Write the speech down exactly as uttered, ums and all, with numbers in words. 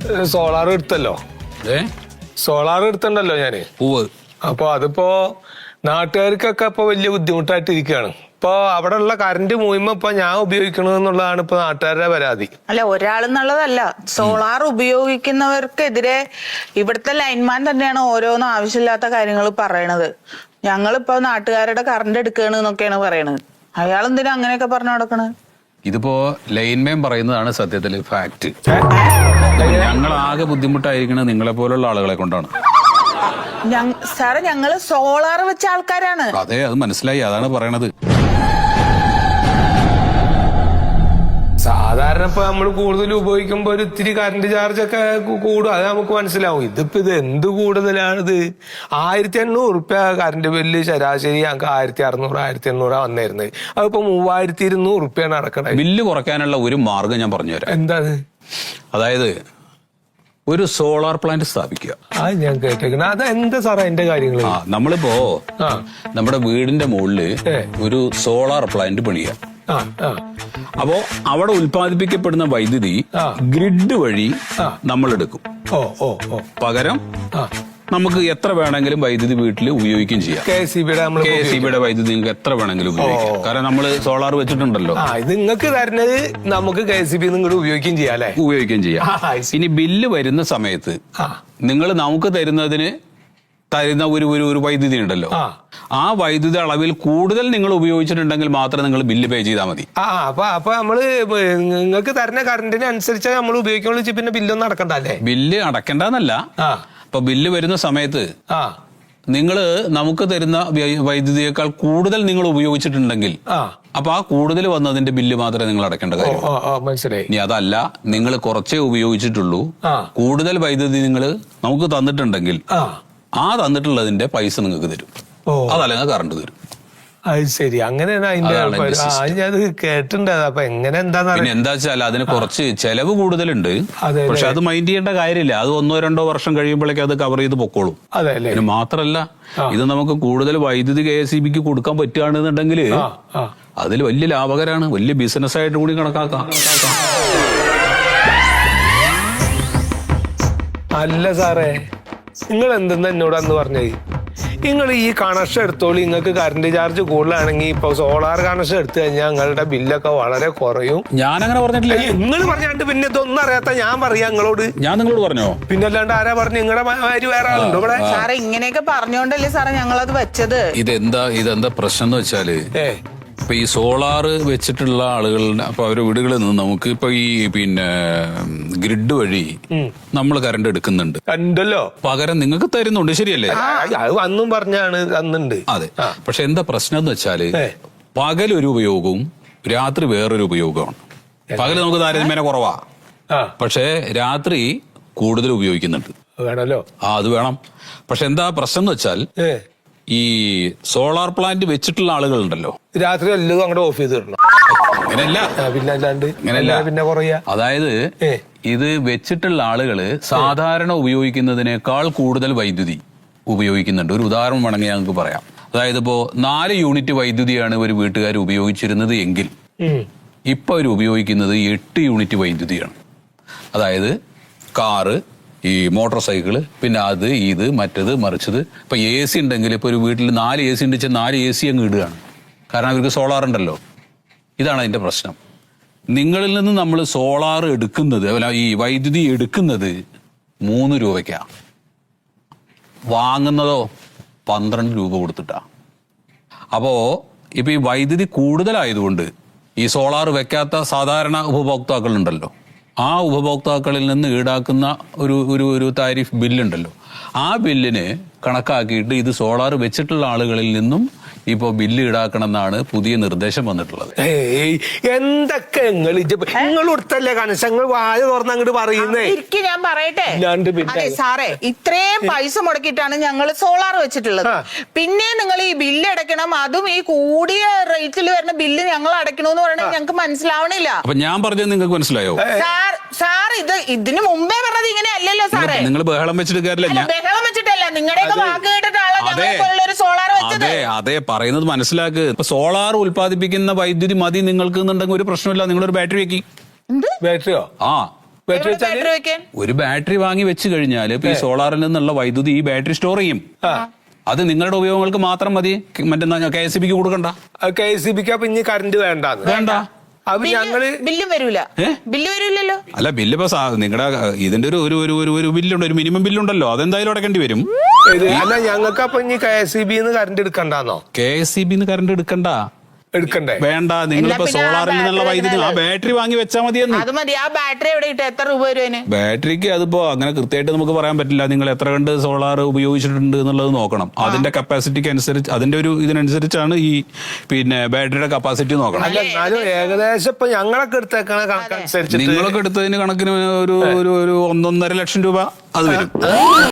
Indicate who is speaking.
Speaker 1: Solar എടുത്തല്ലോ. Solar എടുത്തണ്ടല്ലോ ഞാന്. അപ്പൊ അതിപ്പോ നാട്ടുകാർക്കൊക്കെ ഇപ്പൊ വലിയ ബുദ്ധിമുട്ടായിട്ടിരിക്കുകയാണ്. ഇപ്പൊ അവിടെ ഉള്ള കറണ്ട് മൂയ്മ ഇപ്പൊ ഞാൻ ഉപയോഗിക്കണമെന്നുള്ളതാണ് ഇപ്പൊ നാട്ടുകാരുടെ പരാതി.
Speaker 2: അല്ല, ഒരാളെന്നുള്ളതല്ല, സോളാർ ഉപയോഗിക്കുന്നവർക്കെതിരെ ഇവിടുത്തെ ലൈൻമാൻ തന്നെയാണ് ഓരോന്നും ആവശ്യമില്ലാത്ത കാര്യങ്ങൾ പറയണത്. ഞങ്ങളിപ്പോ നാട്ടുകാരുടെ കറണ്ട് എടുക്കണെന്നൊക്കെയാണ് പറയണത്. അയാൾ എന്തിനാ അങ്ങനെയൊക്കെ പറഞ്ഞു നടക്കണത്?
Speaker 3: ഇതിപ്പോ ലൈൻമാൻ പറയുന്നതാണ് സത്യത്തിൽ ഫാക്ട്. ഞങ്ങൾ ആകെ ബുദ്ധിമുട്ടായിരിക്കണത് നിങ്ങളെ പോലുള്ള ആളുകളെ കൊണ്ടാണ്.
Speaker 2: സാറേ, ഞങ്ങള് സോളാർ വെച്ച ആൾക്കാരാണ്.
Speaker 3: അതെ, അത് മനസ്സിലായി, അതാണ് പറയണത്.
Speaker 1: സാധാരണ ഇപ്പൊ നമ്മൾ കൂടുതൽ ഉപയോഗിക്കുമ്പോ ഒരു ഇത്തിരി കറണ്ട് ചാർജ് ഒക്കെ കൂടും, അത് നമുക്ക് മനസ്സിലാവും. ഇതിപ്പോ ഇത് എന്ത് കൂടുതലാണിത്? ആയിരത്തി എണ്ണൂറ് റുപ്യ കറണ്ട് ബില്ല് ശരാശരി ഞങ്ങൾക്ക് ആയിരത്തി അറുന്നൂറ് ആയിരത്തി എണ്ണൂറാ വന്നിരുന്നത്. അതിപ്പോ മൂവായിരത്തി ഇരുന്നൂറ് റുപ്യാണ് അടക്കണത്.
Speaker 3: ബില്ല് കുറയ്ക്കാനുള്ള ഒരു മാർഗം ഞാൻ പറഞ്ഞുതരാം.
Speaker 1: എന്താണ്?
Speaker 3: അതായത് ഒരു സോളാർ പ്ലാന്റ് സ്ഥാപിക്കുക.
Speaker 1: അത് ഞാൻ കേട്ടേക്കണ. അത് എന്താ സാറേ അതിന്റെ കാര്യങ്ങൾ?
Speaker 3: ആ നമ്മളിപ്പോ നമ്മുടെ വീടിന്റെ മുകളില് ഒരു സോളാർ പ്ലാന്റ് പണിയുക. അപ്പോ അവിടെ ഉൽപ്പാദിപ്പിക്കപ്പെടുന്ന വൈദ്യുതി ഗ്രിഡ് വഴി നമ്മൾ എടുക്കും.
Speaker 1: ഓ ഓ ഓ
Speaker 3: പകരം നമുക്ക് എത്ര വേണമെങ്കിലും വൈദ്യുതി വീട്ടിൽ ഉപയോഗിക്കുകയും ചെയ്യാം.
Speaker 1: കെ എസ് ഇ ബിയുടെ
Speaker 3: കെ എസ് ഇ ബിയുടെ വൈദ്യുതി നിങ്ങൾക്ക് എത്ര വേണമെങ്കിലും ഉപയോഗിക്കാം. കാരണം നമ്മൾ സോളാർ വെച്ചിട്ടുണ്ടല്ലോ.
Speaker 1: ഇത് നിങ്ങൾക്ക് തരുന്നത് നമുക്ക് കെ എസ് ഇ ബി നിങ്ങളുടെ ഉപയോഗിക്കുകയും ചെയ്യാം അല്ലെ?
Speaker 3: ഉപയോഗിക്കുകയും ചെയ്യാം. ഇനി ബില്ല് വരുന്ന സമയത്ത് നിങ്ങൾ നമുക്ക് തരുന്നതിന് തരുന്ന ഒരു ഒരു വൈദ്യുതി ഉണ്ടല്ലോ, ആ വൈദ്യുതി അളവിൽ കൂടുതൽ നിങ്ങൾ ഉപയോഗിച്ചിട്ടുണ്ടെങ്കിൽ മാത്രം നിങ്ങൾ ബില്ല് പേ ചെയ്താൽ മതി.
Speaker 1: ആ അപ്പൊ അപ്പൊ നമ്മള് നിങ്ങൾക്ക് തരുന്ന കറണ്ടിന് അനുസരിച്ച് നമ്മൾ ഉപയോഗിക്കുള്ളൂ. പിന്നെ ബില്ലൊന്നും അടക്കണ്ടല്ലേ?
Speaker 3: ബില്ല് അടക്കണ്ടെന്നല്ല. അപ്പൊ ബില്ല് വരുന്ന സമയത്ത് നിങ്ങള് നമുക്ക് തരുന്ന വൈദ്യുതിയേക്കാൾ കൂടുതൽ നിങ്ങൾ ഉപയോഗിച്ചിട്ടുണ്ടെങ്കിൽ അപ്പൊ ആ കൂടുതൽ വന്നതിന്റെ ബില്ല് മാത്രമേ നിങ്ങൾ അടക്കേണ്ട കാര്യം.
Speaker 1: മനസ്സിലായി.
Speaker 3: ഇനി അതല്ല, നിങ്ങൾ കുറച്ചേ ഉപയോഗിച്ചിട്ടുള്ളൂ, കൂടുതൽ വൈദ്യുതി നിങ്ങൾ നമുക്ക് തന്നിട്ടുണ്ടെങ്കിൽ ആ തന്നിട്ടുള്ളതിന്റെ പൈസ നിങ്ങൾക്ക് തരും. അതല്ലെങ്കിൽ കറണ്ട് തരും.
Speaker 1: അത് ശരി, അങ്ങനെയാണ് അതിന്റെ. അത് കേട്ടിട്ടുണ്ട്. അപ്പൊ എങ്ങനെ എന്താന്ന്
Speaker 3: പിന്നെ എന്താ വെച്ചാൽ അതിന് കുറച്ച് ചെലവ് കൂടുതലുണ്ട്. പക്ഷെ അത് മൈൻഡ് ചെയ്യേണ്ട കാര്യമില്ല. അത് ഒന്നോ രണ്ടോ വർഷം കഴിയുമ്പോഴേക്കും അത് കവർ ചെയ്ത് പൊക്കോളും. അതിന് മാത്രല്ല, ഇത് നമുക്ക് കൂടുതൽ വൈദ്യുതി കെ എസ് ഇ ബിക്ക് കൊടുക്കാൻ പറ്റുകയാണെന്നുണ്ടെങ്കിൽ അതിൽ വലിയ ലാഭകരമാണ്, വലിയ ബിസിനസ് ആയിട്ട് കൂടി കണക്കാക്കാം.
Speaker 1: അല്ല സാറേ, നിങ്ങൾ എന്തെന്ന് എന്നോടന്ന് പറഞ്ഞത്? നിങ്ങൾ ഈ കണക്ഷൻ എടുത്തോളൂ, നിങ്ങൾക്ക് കറണ്ട് ചാർജ് കൂടുതലാണെങ്കിൽ ഇപ്പൊ സോളാർ കണക്ഷൻ എടുത്തു കഴിഞ്ഞാൽ നിങ്ങളുടെ ബില്ലൊക്കെ വളരെ കുറയും.
Speaker 3: ഞാൻ അങ്ങനെ പറഞ്ഞിട്ടില്ല.
Speaker 1: നിങ്ങൾ പറഞ്ഞാണ്ട് പിന്നെ ഇതൊന്നും അറിയാത്ത ഞാൻ പറയാ നിങ്ങളോട്.
Speaker 3: ഞാൻ നിങ്ങളോട് പറഞ്ഞോ?
Speaker 1: പിന്നെ അല്ലാണ്ട് ആരാ പറഞ്ഞു? നിങ്ങളുടെ കാര്യം വേറെ ആളുണ്ടോ ഇവിടെ?
Speaker 2: സാറേ, ഇങ്ങനെയൊക്കെ പറഞ്ഞോണ്ടല്ലേ സാറേ ഞങ്ങളത് വെച്ചത്.
Speaker 3: ഇതെന്താ ഇതെന്താ പ്രശ്നം എന്ന് വെച്ചാല്, ഇപ്പൊ ഈ സോളാർ വെച്ചിട്ടുള്ള ആളുകളുടെ അപ്പൊ അവരുടെ വീടുകളിൽ നിന്ന് നമുക്ക് ഇപ്പൊ ഈ പിന്നെ ഗ്രിഡ് വഴി നമ്മൾ കറണ്ട് എടുക്കുന്നുണ്ട് ഉണ്ടല്ലോ, പകരം നിങ്ങൾക്ക് തരുന്നുണ്ട്. ശരിയല്ലേ?
Speaker 1: അന്നും പറഞ്ഞാണ് തന്നുണ്ട്.
Speaker 3: അതെ. പക്ഷെ എന്താ പ്രശ്നം എന്ന് വെച്ചാല്, പകലൊരു ഉപയോഗവും രാത്രി വേറൊരു ഉപയോഗമാണ്. പകല് നമുക്ക് താരതമ്യേന കുറവാ, പക്ഷെ രാത്രി കൂടുതൽ ഉപയോഗിക്കുന്നുണ്ട്.
Speaker 1: വേണല്ലോ.
Speaker 3: ആ അത് വേണം. പക്ഷെ എന്താ പ്രശ്നം എന്ന് വെച്ചാൽ, ഈ സോളാർ പ്ലാന്റ് വെച്ചിട്ടുള്ള ആളുകളുണ്ടല്ലോ,
Speaker 1: രാത്രി എല്ലാം അങ്ങോട്ട് ഓഫ് ചെയ്ത് തരണം.
Speaker 3: അങ്ങനെയല്ല.
Speaker 1: പിന്നെ അല്ലാണ്ട്
Speaker 3: അങ്ങനെയല്ല.
Speaker 1: പിന്നെ കുറയാ.
Speaker 3: അതായത് ഇത് വെച്ചിട്ടുള്ള ആളുകള് സാധാരണ ഉപയോഗിക്കുന്നതിനേക്കാൾ കൂടുതൽ വൈദ്യുതി ഉപയോഗിക്കുന്നുണ്ട്. ഒരു ഉദാഹരണം വേണമെങ്കിൽ ഞങ്ങൾക്ക് പറയാം. അതായത് ഇപ്പോ നാല് യൂണിറ്റ് വൈദ്യുതിയാണ് ഒരു വീട്ടുകാർ ഉപയോഗിച്ചിരുന്നത് എങ്കിൽ ഇപ്പൊ അവർ ഉപയോഗിക്കുന്നത് എട്ട് യൂണിറ്റ് വൈദ്യുതിയാണ്. അതായത് കാറ്, ഈ മോട്ടോർ സൈക്കിള്, പിന്നെ അത് ഇത് മറ്റത് മറിച്ചത്. ഇപ്പൊ എ സി ഉണ്ടെങ്കിൽ ഇപ്പൊ ഒരു വീട്ടിൽ നാല് എ സി ഉണ്ട് വെച്ചാൽ നാല് എ സി അങ്ങ് ഇടുകയാണ്. കാരണം അവർക്ക് സോളാർ ഉണ്ടല്ലോ. ഇതാണ് അതിന്റെ പ്രശ്നം. നിങ്ങളിൽ നിന്ന് നമ്മൾ സോളാർ എടുക്കുന്നത്, ഈ വൈദ്യുതി എടുക്കുന്നത് മൂന്ന് രൂപയ്ക്കാ, വാങ്ങുന്നതോ പന്ത്രണ്ട് രൂപ കൊടുത്തിട്ടാ. അപ്പോ ഇപ്പൊ ഈ വൈദ്യുതി കൂടുതലായതുകൊണ്ട് ഈ സോളാർ വെക്കാത്ത സാധാരണ ഉപഭോക്താക്കളുണ്ടല്ലോ, ആ ഉപഭോക്താക്കളിൽ നിന്ന് ഈടാക്കുന്ന ഒരു ഒരു ഒരു താരിഫ് ബില്ലുണ്ടല്ലോ, ആ ബില്ലിന് കണക്കാക്കിയിട്ട് ഇത് സോളാർ വെച്ചിട്ടുള്ള ആളുകളിൽ നിന്നും ഇപ്പൊ ബില്ല് ഈടാക്കണം എന്നാണ് പുതിയ നിർദ്ദേശം വന്നിട്ടുള്ളത്.
Speaker 1: എന്തൊക്കെ നിങ്ങൾ കൊടുത്തല്ലേ കണക്ഷങ്ങൾ വായ തുറന്ന് അങ്ങോട്ട് പറയുന്നേ?
Speaker 2: ഞാൻ പറയട്ടെ സാറേ, ഇത്രയും പൈസ മുടക്കിയിട്ടാണ് ഞങ്ങൾ സോളാർ വെച്ചിട്ടുള്ളത്. പിന്നെ നിങ്ങൾ ഈ ബില്ല് അടയ്ക്കണം, അതും ഈ കൂടിയ റേറ്റിൽ വരുന്ന ബില്ല് ഞങ്ങൾ അടയ്ക്കണമെന്ന് പറയുന്നത് ഞങ്ങൾക്ക് മനസ്സിലാവണില്ല.
Speaker 3: അപ്പൊ ഞാൻ പറഞ്ഞത് നിങ്ങൾക്ക് മനസ്സിലായോ?
Speaker 2: സാർ സാർ ഇത് ഇതിന് മുമ്പേ പറഞ്ഞത് ഇങ്ങനെ അല്ലല്ലോ സാറേ.
Speaker 3: നിങ്ങൾ ബഹളം വെച്ചിട്ട് കാര്യമില്ല.
Speaker 2: ബഹളം വെച്ചിട്ടല്ല, നിങ്ങളുടെയൊക്കെ വാക്ക് കേട്ടിട്ടാണല്ലോ ഞങ്ങൾ സോളാർ വെച്ചത്.
Speaker 3: അതെ അതെ പറയുന്നത് മനസ്സിലാക്ക്. ഇപ്പൊ സോളാർ ഉൽപ്പാദിപ്പിക്കുന്ന വൈദ്യുതി മതി നിങ്ങൾക്ക് എന്നുണ്ടെങ്കിൽ ഒരു പ്രശ്നമില്ല. നിങ്ങളൊരു ബാറ്ററി വെക്കി.
Speaker 1: ബാറ്ററിയോ?
Speaker 3: ആ
Speaker 1: ബാറ്ററി വെച്ചാല്
Speaker 2: ബാറ്ററി വെക്കാൻ
Speaker 3: ഒരു ബാറ്ററി വാങ്ങി വെച്ച് കഴിഞ്ഞാൽ ഇപ്പൊ ഈ സോളാറിൽ നിന്നുള്ള വൈദ്യുതി ഈ ബാറ്ററി സ്റ്റോർ ചെയ്യും. അത് നിങ്ങളുടെ ഉപയോഗങ്ങൾക്ക് മാത്രം മതി. മറ്റെന്താ കെ എസ് ഇ ബിക്ക് കൊടുക്കണ്ട.
Speaker 1: കെ എസ് ഇ ബിക്ക് അപ്പൊ ഇനി കറണ്ട് വേണ്ടാന്ന്
Speaker 3: വേണ്ട.
Speaker 1: അപ്പൊ ഞങ്ങള്
Speaker 2: ബില്ലും വരൂല. ബില്ല് വരൂലല്ലോ.
Speaker 3: അല്ല ബില്ല് ഇപ്പൊ നിങ്ങളുടെ ഇതിന്റെ ഒരു ഒരു ഒരു ഒരു ഒരു ബില്ലുണ്ട്, ഒരു മിനിമം ബില്ലുണ്ടല്ലോ, അതെന്തായാലും അടക്കേണ്ടി വരും.
Speaker 1: ഇത് അല്ല ഞങ്ങൾക്ക് അപ്പൊ ഇനി കെ എസ് ഇ ബിന്ന് കറണ്ട് എടുക്കണ്ടെന്നോ?
Speaker 3: കെ എസ് ഇ ബിന്ന് കറണ്ട് എടുക്കണ്ട.
Speaker 1: എടുക്കണ്ടേ?
Speaker 3: വേണ്ട. നിങ്ങളിപ്പോ
Speaker 2: പിന്നെ ആ
Speaker 3: സോളാറിൽ നിന്നുള്ള
Speaker 2: ബാറ്ററി
Speaker 3: വൈദ്യുതി ആ ബാറ്ററി വാങ്ങി വെച്ചാൽ മതിയെന്ന്.
Speaker 2: അത് മതി. ആ ബാറ്ററി എവിടെ കിട്ടും? എത്ര രൂപ വരും അതിന്?
Speaker 3: ബാറ്ററിക്ക് അതിപ്പോ അങ്ങനെ കൃത്യമായിട്ട് നമുക്ക് പറയാൻ പറ്റില്ല. നിങ്ങൾ എത്ര കണ്ട് സോളാർ ഉപയോഗിച്ചിട്ടുണ്ട് എന്നുള്ളത് നോക്കണം. അതിന്റെ കപ്പാസിറ്റിക്ക് അനുസരിച്ച്, അതിന്റെ ഒരു ഇതിനനുസരിച്ചാണ് ഈ പിന്നെ ബാറ്ററിയുടെ കപ്പാസിറ്റി നോക്കണം.
Speaker 1: അല്ല എന്നാലും ഏകദേശം ഇപ്പൊ ഞങ്ങളൊക്കെ എടുത്തേക്കണ കണക്കനുസരിച്ച്
Speaker 3: നിങ്ങളൊക്കെ എടുത്തതിന് കണക്കിന് ഒരു ഒരു ഒരു ഒന്നൊന്നര ലക്ഷം രൂപ അത് വരും.